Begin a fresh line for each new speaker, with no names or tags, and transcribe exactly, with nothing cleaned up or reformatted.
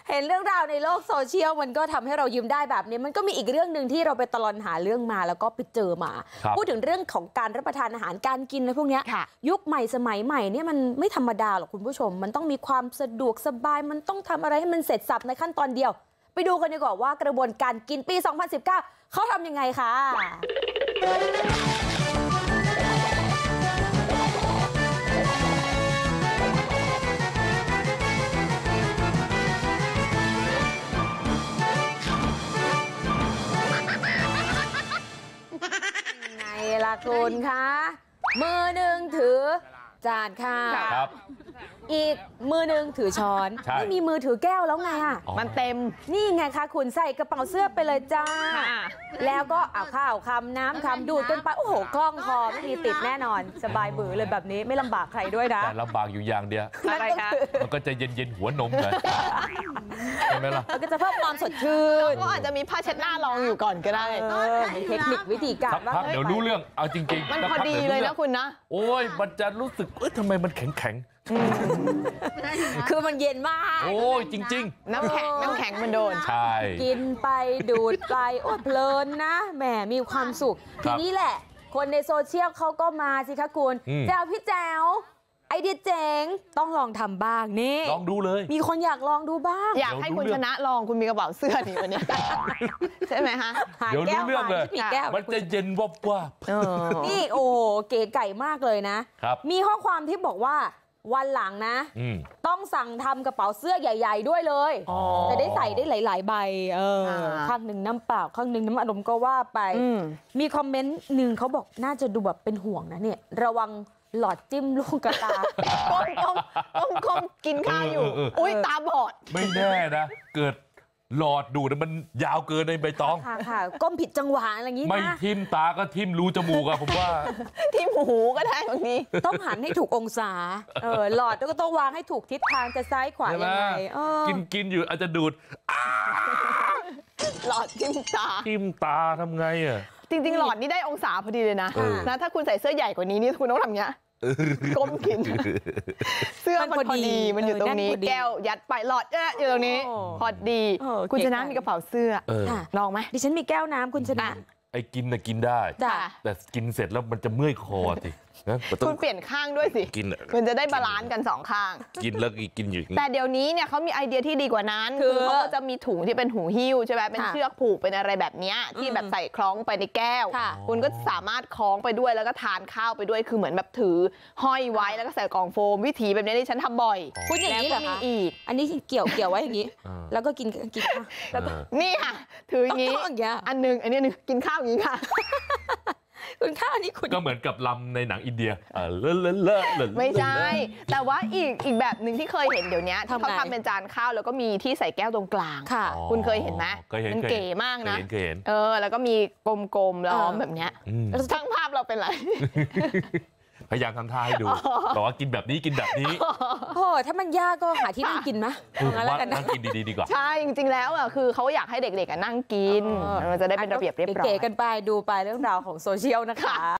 เห็นเรื่องราวในโลกโซเชียลมันก็ทำให้เรายิ้มได้แบบนี้มันก็มีอีกเรื่องหนึ่งที่เราไปตลอดหาเรื่องมาแล้วก็ไปเจอมาพูดถึงเรื่องของการรับประทานอาหารการกินนะพวกนี้ยุคใหม่สมัยใหม่เนี่ยมันไม่ธรรมดาหรอกคุณผู้ชมมันต้องมีความสะดวกสบายมันต้องทำอะไรให้มันเสร็จสับในขั้นตอนเดียวไปดูกันดีกว่าว่ากระบวนการกินปีสองพันสิบเก้าเขาทำยังไงคะไงล่ะคุณคะมือหนึ่งถือจานข้าวอีกมือหนึ่งถือช้อนไม่มีมือถือแก้วแล้วไงอ่ะมันเต็มนี่ไงคะคุณใส่กระเป๋าเสื้อไปเลยจ้าแล้วก็เอาข้าวคำน้ำคำดูดกันไปโอ้โหคล่องคอไม่มีติดแน่นอนสบายบือเลยแบบนี้ไม่ลำบากใครด้วยนะ
แต่ลำบากอยู่อย่างเดียวอะไรคะมันก็จะเย็นๆหัวนมเลยใช่ไหมล่ะ
มันก็จะเพิ่มความสดชื่น
ก็อาจจะมีผ้าเช็ดหน้ารองอยู่ก่อนก็ได้
เทคนิควิธีการ
ว่าเดี๋ยวรู้เรื่องเอาจริง
ๆมันพอดีเลยนะคุณนะ
โอ้ยมันจะรู้สึกเอ้ยทำไมมันแข็งแข็ง
คือมันเย็นมาก
โอ้ยจริง
ๆน้ำแข็งน้ำแข็งมันโดน
ใช่
กินไปดูดไปโอ้เพลินนะแหมมีความสุขทีนี้แหละคนในโซเชียลเขาก็มาสิคะคุณแจวพี่แจวไอเดียเจ๋งต้องลองทำบ้างนี่
ลองดูเลย
มีคนอยากลองดูบ้าง
อยากให้คุณชนะลองคุณมีกระเป๋าเสื้อนี่วันนี้ใช่ไหมฮะ
เดี๋ยวรู้เรื่องเลยมันจะเย็นวับว่า
นี่โอ้เก๋ไก่มากเลยนะมีข้อความที่บอกว่าวันหลังนะต้องสั่งทำกระเป๋าเสื้อใหญ่ๆด้วยเลยจะได้ใส่ได้หลายๆใบเออข้างหนึ่งน้ำเปล่าข้างหนึ่งน้ำอารมณ์ก็ว่าไปมีคอมเมนต์หนึ่งเขาบอกน่าจะดูแบบเป็นห่วงนะเนี่ยระวังหลอดจิ้มลูกกระตา
ก้มก้มก้มก้มกินข้าวอยู่อุ้ยตาบอด
ไม่แน่นะเกิดหลอดดูดมันยาวเกินในใบตอง
ค่ะค่ะก้มผิดจังหวะอะไรอย่างนี้
ไม่ทิ่มตาก็ทิ่มรูจมูกอะผมว่า
ทิ่มหูก็ได้บางที
ต้องหันให้ถูกองศาเออหลอดก็ต้องวางให้ถูกทิศทางจะซ้ายขวายังไง
กินกินอยู่อาจจะดูด
หลอดทิ่มตา
ทิ่มตาทำไงอะ
จริงๆหลอดนี่ได้องศาพอดีเลยนะนะถ้าคุณใส่เสื้อใหญ่กว่านี้นี่คุณต้องทำเงี้ยก้มกินเสื้อมันพอดีมันอยู่ตรงนี้แก้วยัดไปหลอดเอ๊ะอยู่ตรงนี้พอดีคุณชนะมีกระเป๋าเสื้อลองไหม
ดิฉันมีแก้วน้ำคุณชนะ
ไอ้กินนะกินได้แต่กินเสร็จแล้วมันจะเมื่อยคอสิ
คุณเปลี่ยนข้างด้วยสิ
กิน
คุณจะได้บาลานซ์กันสองข้าง
กินแล้วกินอยู่
แต่เดี๋ยวนี้เนี่ยเขามีไอเดียที่ดีกว่านั้นคือเขาก็จะมีถุงที่เป็นหูหิ้วใช่ไหมเป็นเชือกผูกเป็นอะไรแบบนี้ที่แบบใส่คล้องไปในแก้วคุณก็สามารถคล้องไปด้วยแล้วก็ทานข้าวไปด้วยคือเหมือนแบบถือห้อยไว้แล้วก็ใส่กล่องโฟมวิธีแบบนี้ที่ฉันทำบ่อย
คุณอย่างนี้เหรอคะอันนี้เกี่ยวเกี่ยวไว้อย่างนี้แล้วก็กินกินข้าว
แล้วก็นี่ค่ะถืออย่างนี้อันนึงอันนี้นึงกินข้าวอย่างนี้ค่ะ
คุณข้าวนี่คุณ
ก็เหมือนกับลำในหนังอินเดียเออเลอะเลอะเลอะ
ไม่ใช่แต่ว่าอีกอีกแบบหนึ่งที่เคยเห็นเดี๋ยวนี้ที่เขาทำเป็นจานข้าวแล้วก็มีที่ใส่แก้วตรงกลางค่ะคุณเคยเห็นไหมมันเก๋มากนะเออแล้วก็มีกลมๆล้อมแบบเนี้ยช่างภาพเราเป็นไร
พยายามทำท่าให้ดูบอกว่ากินแบบนี้กินแบบนี้
โอ้ถ้ามันยากก็หาที่นั่งกินไหม
ว่านั่งกินดีๆดีกว่า
ใช่จริงๆแล้วอ่ะคือเขาอยากให้เด็กๆนั่งกินมันจะได้เป็นระเบียบเรียบร้อย
เก๋กันไปดูไปเรื่องราวของโซเชียลนะคะ